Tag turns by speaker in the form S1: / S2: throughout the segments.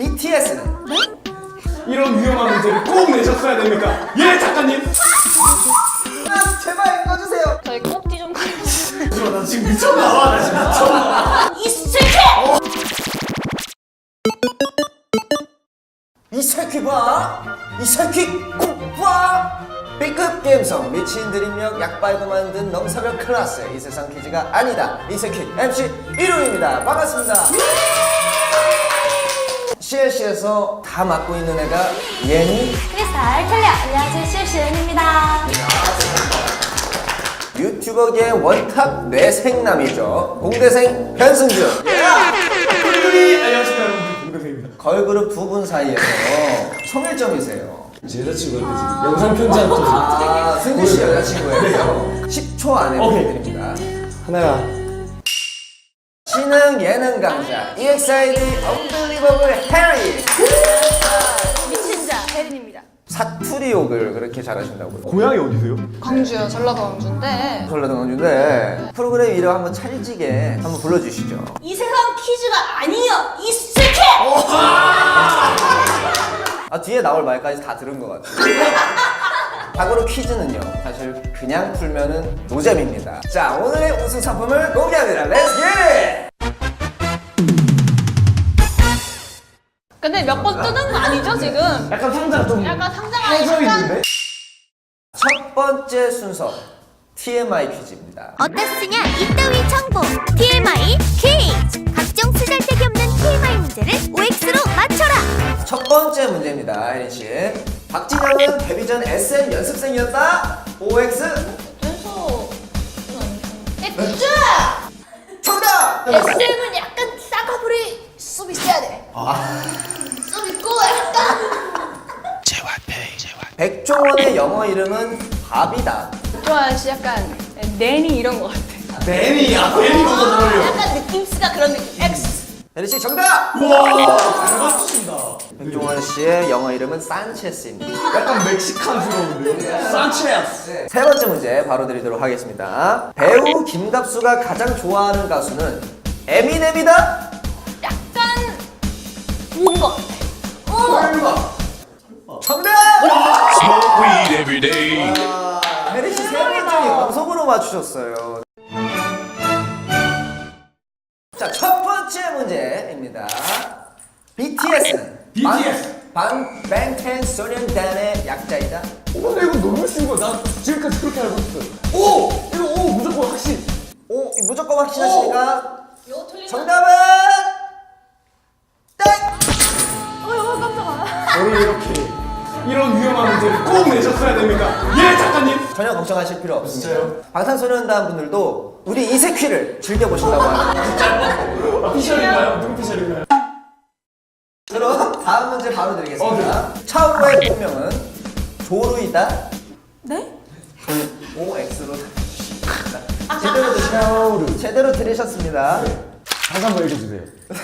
S1: BTS는
S2: 이런 위험한 문제를 꼭 내셨어야 됩니까? 예, 작가님!
S1: 제발 읽어주세요.
S3: 저희 꼭지 좀 가려주세요.
S2: 나 지금 미쳤나 봐, 나 지금 미쳤나 봐.
S3: 이 새끼!
S1: 이 새끼 봐! 이 새끼 꼭 봐! B급 게임성 미친 드립력 약발고 만든 넘사벽 클래스 이 세상 퀴즈가 아니다 이 새끼 MC 1호입니다. 반갑습니다. CLC에서 다 맡고 있는 애가 예니
S3: 크리스탈 켈리야. 안녕하세요. CLCN입니다.
S1: 유튜버계의 원탑 뇌생남이죠. 공대생 변승준.
S2: 안녕하십니까, 여러분들. 공대생입니다.
S1: 걸그룹 두 분 사이에서 청일점이세요.
S2: 제 여자친구한테 지금 영상 편지한 통.
S1: 아, 승준 씨 여자친구예요. 10초 안에
S2: 오케이.
S1: 보여드립니다.
S2: 하나야.
S1: 지능 예능 강자 EXID Unbelievable Harry.
S3: 미친 자, 혜린입니다.
S1: 사투리 욕을 그렇게 잘하신다고요?
S2: 고향이 어디세요?
S3: 광주요. 전라도 광주인데.
S1: 전라도 광주인데 프로그램 이름 한번 찰지게 한번 불러주시죠.
S3: 이 세상 퀴즈가 아니요. 이 새끼!
S1: 아 뒤에 나올 말까지 다 들은 것 같아요. 과거로 퀴즈는요 사실 그냥 풀면은 노잼입니다. 자 오늘의 우승 상품을 공개합니다. 렛츠 기!
S3: 근데 몇 번 뜨는 거 아니죠, 지금?
S2: 약간 상자가 좀
S3: 약간 상자가
S2: 해져
S3: 약간
S2: 있는데?
S1: 첫 번째 순서 TMI 퀴즈입니다.
S4: 어떻으냐 이따위 정보 TMI 퀴즈 각종 쓰잘데기 없는 TMI 문제를 OX로 맞춰라.
S1: 첫 번째 문제입니다, 혜린 씨. 박진영은 데뷔 전 SM 연습생이었다. OX
S3: 돼서 액주!
S1: 정답.
S3: SM은 약간 싸가부리 수 있어야 돼. 수 있고 약간
S1: 백종원의 영어 이름은 밥이다.
S3: 좋아요. 씨 약간 내니 이런 거 같아.
S2: 매니야, 매니 너무 잘 어울려.
S3: 약간 느낌스가 그런 느낌. X.
S1: 혜린 씨 정답.
S2: 우와, 잘 맞추신다.
S1: 백종원 씨의 영어 이름은 산체스입니다.
S2: 약간 멕시칸스러운데요? 산체스.
S1: 세 번째 문제 바로 드리도록 하겠습니다. 배우 김갑수가 가장 좋아하는 가수는 에미넴이다.
S3: 약간 인거 같아.
S1: 설마. 정답.
S5: Smoke weed every day.
S1: 혜린 씨 세 번째 연속으로 맞추셨어요. 자, 첫 번째 문제입니다. BTS는
S2: BTS.
S1: 방탄소년단의 약자이다.
S2: 근데 이거 너무 쉬운 거야. 나 지금까지 그렇게 알고 있었어. 오! 이거 오 무조건 확신.
S1: 오, 무조건 확신하십니까?
S3: 이거 틀리면
S1: 정답은 땡!
S3: 깜짝아.
S2: 저를 이렇게 이런 위험한 문제를 꼭 내셨어야 됩니까? 예, 작가님.
S1: 전혀 걱정하실 필요 없습니다.
S2: 진짜요?
S1: 방탄소년단 분들도 우리 이세퀴를 즐겨보신다고 합니다.
S2: 피셜인가요? 누구 피셜인가요?
S1: 그럼 다음 문제 바로 드리겠습니다. 차우의 본명은 조루이다.
S3: 네?
S1: OX로 주십니다. 제대로 들으셨습니다.
S2: 다시 한번 읽어주세요.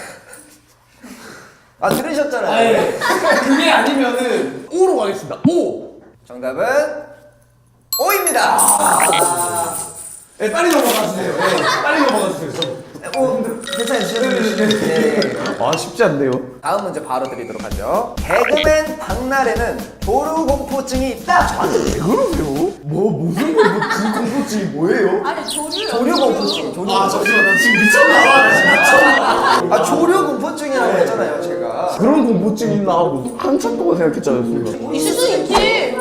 S1: 아 들으셨잖아요.
S2: 그게 아니면은 O로 가겠습니다. O.
S1: 정답은 O입니다.
S2: 네, 빨리 넘어가 주세요. 네, 빨리 넘어가 주세요.
S1: 오, 괜찮으시죠?
S2: 아, 쉽지 않네요.
S1: 다음 문제 바로 드리도록 하죠. 개그맨 박나래는 조류공포증이 있다.
S2: 왜 그러세요? 무슨 공포증이 뭐예요?
S3: 아니 조류.
S1: 조류공포증.
S2: 아, 잠시만, 나 지금 미쳤나 봐. 나 지금 미쳤나 봐.
S1: 아 조류공포증이라고 했잖아요, 제가.
S2: 그런 공포증 있나 하고 한참 동안 생각했지 않았습니까?
S3: 있을 수 있지.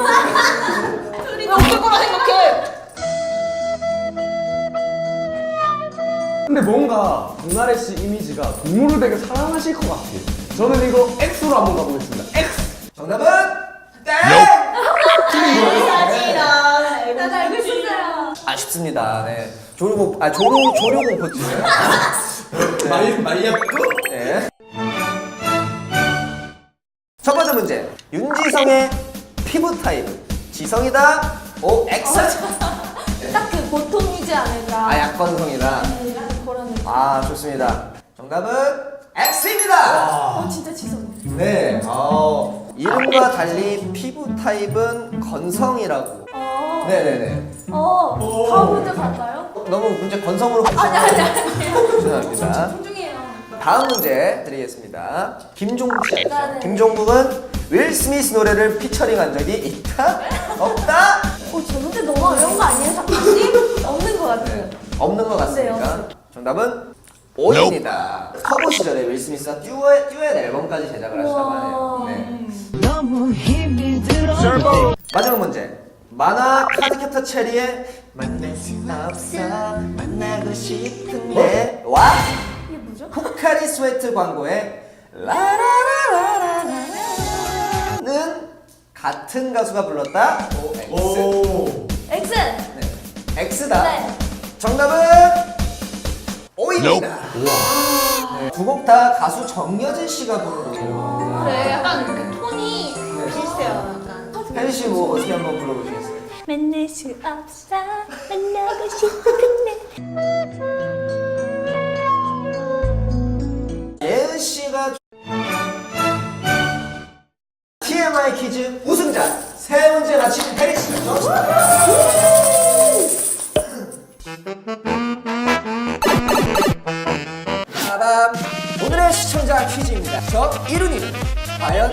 S3: 왜 없을 거라 생각해?
S2: 근데 뭔가 박나래 씨 이미지가 동물을 되게 사랑하실 것 같아요. 저는 이거 X로 한번 가보겠습니다. X!
S1: 정답은 땡.
S3: 나도 알고 있었어요.
S1: 아쉽습니다. 네. 조류공포증.
S2: 말렸고?
S1: 네. 첫 번째 문제. 윤지성의 피부 타입은 지성이다. OX.
S3: 딱 그 보통이지 않을까.
S1: 아 약건성이다.
S3: 그런 느낌.
S1: 아 좋습니다. 정답은 X입니다.
S3: 진짜 지성.
S1: 네. 이름과 달리 피부 타입은 건성이라고. 네네네.
S3: 다음 문제 갈까요?
S1: 너무 문제 건성으로
S3: 아니.
S1: 죄송합니다.
S3: 존중해요.
S1: 다음 문제 드리겠습니다. 김종국 씨 알죠?
S3: 네.
S1: 김종국은 윌 스미스 노래를 피처링한 적이 있다? 없다?
S3: 저 문제 너무 어려운 거 아니에요, 작가님? 없는 것 같아요.
S1: 없는 것 같습니까?
S3: 네,
S1: 정답은 O입니다. 커버 시절에 윌 스미스가 듀엣 앨범까지 제작을 하시다고 하네요. 네. 마지막 문제. 만화 카드캡터 체리의 만날 순 없어 만나고 싶은데 와
S3: 이게 뭐죠?
S1: 포카리 스웨트 광고의 라라라라라라는 같은 가수가 불렀다. O X.
S3: X!
S1: 네. X다.
S3: 네.
S1: 정답은 O입니다. 네. 두 곡 다 가수 정여진 씨가 부른 곡이에요.
S3: 그래, 약간 그 톤이 비슷해요, 약간.
S1: 혜리 씨 뭐 어떻게 한번 불러보시겠어요?
S4: 만날 수 없어 만나고 싶은데
S1: 예은 씨가 TMI 퀴즈 우승자 세 문제 맞힌 혜리 씨. 빠밤. 오늘의 시청자 퀴즈입니다. 저 이룬이는 과연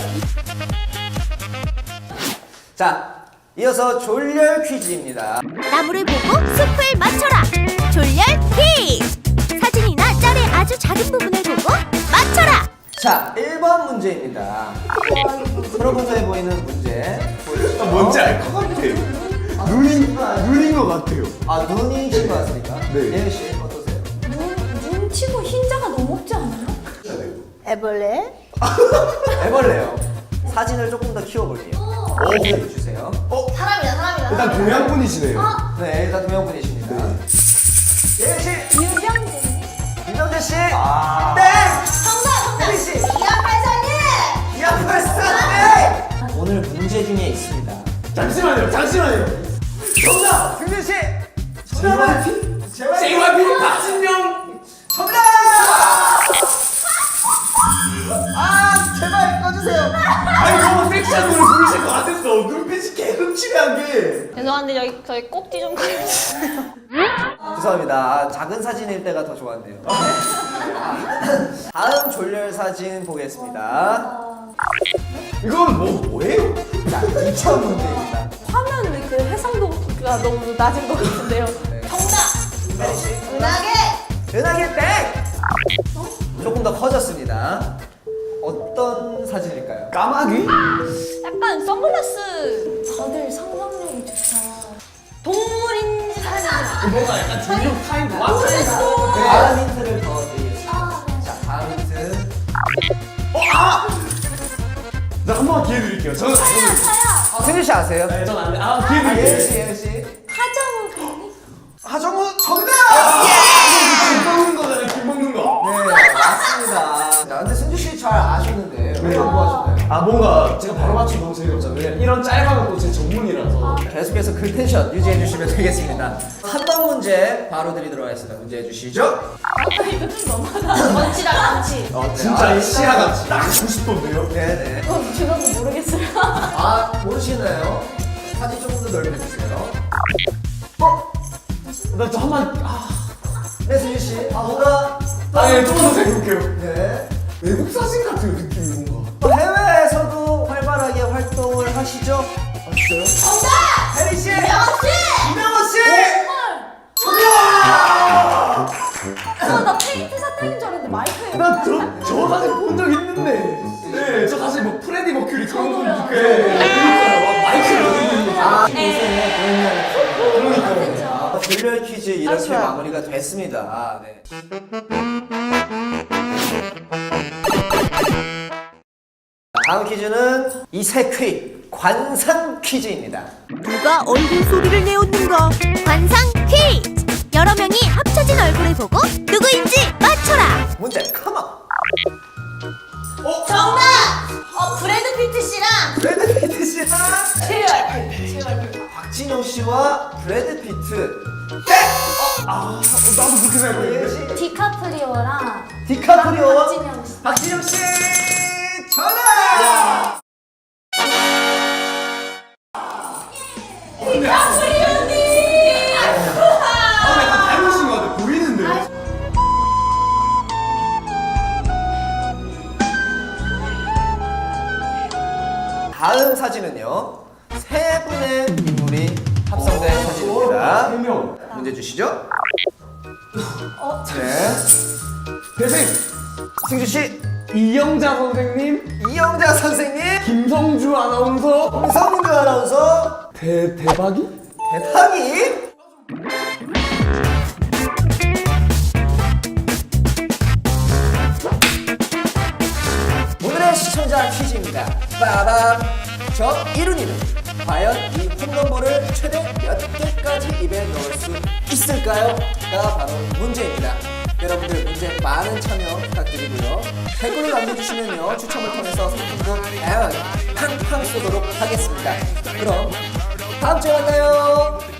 S1: 자, 이어서 졸렬 퀴즈입니다.
S4: 나무를 보고 숲을 맞춰라 졸렬 퀴즈 사진이나 짤의 아주 작은 부분을 보고 맞춰라
S1: 자, 1번 문제입니다. 프로포즈해 보이는 문제 보여주시죠.
S2: 뭔지 알 것 같아요. 눈인 것 같아요.
S1: 아, 눈이신 것 같습니까?
S2: 네.
S1: 예은 씨 어떠세요?
S3: 눈 치고 흰자가 너무 없지 않아요? 애벌레?
S1: 애벌레요. 사진을 조금 더 키워볼게요. 보여주세요.
S3: 사람이다, 사람이다.
S2: 일단 동양 분이시네요.
S1: 네, 일단 동양분이십니다. 예은 씨,
S3: 유병진.
S1: 김정재 씨,
S2: 아.
S1: 땡!
S3: 정답!
S1: 혜리 씨,
S3: 이한팔사님!
S1: 이한팔사 땡! 오늘 문제 중에 있습니다.
S2: 잠시만요.
S1: 정답! 승준 씨! 정답은
S2: JYP 박진영.
S1: 정답! 아, 제발 꺼주세요.
S2: 아니 너무 섹시한 노래 부르실 것 같았어. 눈빛이 계속 치매한 게.
S3: 죄송한데 여기 저희 꼭지 좀 가려주세요.
S1: 죄송합니다. 아, 작은 사진일 때가 더 좋았네요. 다음 졸렬 사진 보겠습니다.
S2: 이건 뭐예요?
S1: 자, 2천 문제입니다.
S3: 화면 그 해상도가 너무 낮은 것 같은데요. 정답!
S1: 혜리 씨,
S3: 은하계!
S1: 은하계 땡! 조금 더 커졌습니다. 어떤 사진일까요?
S2: 까마귀?
S3: 약간 선글라스. 다들 상상력이 좋다. 동물인지 사람인지.
S2: 뭔가 약간 중력 타임 맞춰.
S3: 모르겠어.
S1: 다음 힌트를 더 드리겠습니다. 자, 다음 힌트.
S2: 나 한 번 기회 드릴게요. 저는
S3: 차야.
S1: 승준 씨 아세요?
S2: 네, 전안 돼. 아, 기회
S1: 예은
S2: 드릴게요.
S1: 씨, 예은 씨.
S3: 하정우 배우님?
S1: 하정우 정답!
S2: 김 먹는 거잖아요. 김 먹는 거.
S1: 네, 맞습니다. 자, 근데 승준 씨 잘 아셨는데 왜 공부하셨나요?
S2: 아 뭔가 제가 바로 맞추면 너무 재미없잖아요. 왜냐면 이런 짤방은 또 제 전문이라서.
S1: 계속해서 그 텐션 유지해 주시면 되겠습니다. 3번 문제 바로 드리도록 하겠습니다. 문제 해주시죠.
S3: 이거 좀 너무하다. 멋지다, 많지.
S2: 진짜 시야가 딱 90도인데요.
S1: 네네.
S3: 제가 모르겠어요.
S1: 아, 모르시나요? 사진 조금 더 넓혀주세요.
S2: 나저 한번
S1: 네, 승준 씨. 뭔가
S2: 아니 조금 더 생각해볼게요.
S1: 네.
S2: 외국 사진 같은 느낌이 뭔가.
S1: 해외에서도 활발하게 활동을 하시죠? 맞어요?
S3: 정답!
S1: 혜리 씨!
S3: 이명호 씨!
S1: 이명호 씨!
S3: 나 페인트 사탕인 줄 알았는데 마이크예요.
S2: 나저 사진 본 적 있는데. 네, 저 사실 뭐 프레디 머큐리 그런 거
S3: 저도요.
S2: 네. 그러니까요. 마이크를 어디
S1: 아,
S3: 네.
S1: 그러니까요. 졸렬 퀴즈 이렇게
S3: 좋아요.
S1: 마무리가 됐습니다. 아, 네. 다음 퀴즈는 이세퀴 관상 퀴즈입니다.
S4: 누가 얼굴 소리를 내었는가 관상 퀴즈 여러 명이 합쳐진 얼굴을 보고 누구인지 맞춰라
S1: 문제 컴온.
S3: 정답! 브래드 피트 씨랑
S1: 브래드 피트 씨랑
S3: JYP.
S1: 박진영 씨와 브래드 피트.
S2: 나도 그렇게 생각했는데.
S3: 디카프리오랑
S1: 디카프리오와
S3: 박진영 씨.
S1: 박진영 씨 전화.
S3: 디카프리오님!
S2: 약간 닮으신 것 같아. 보이는데요.
S1: 다음 사진은요, 세 분의 인물이 합성된 사진입니다.
S2: 3명.
S1: 문제 주시죠. 네.
S2: 대생
S1: 승주 씨,
S2: 이영자 선생님,
S1: 이영자 선생님,
S2: 김성주 아나운서,
S1: 홍성주 아나운서,
S2: 대박이?
S1: 대박이. 오늘의 시청자 퀴즈입니다. 빠밤. 저 이룬이는 과연 이 홈런볼을 최대 몇 개까지 입에 넣을 수 있을까요?가 바로 문제입니다. 여러분들 문제 많은 참여 부탁드리고요. 댓글을 남겨주시면요, 추첨을 통해서 상품도 다양하게 팡팡 쏘도록 하겠습니다. 그럼 다음 주에 만나요.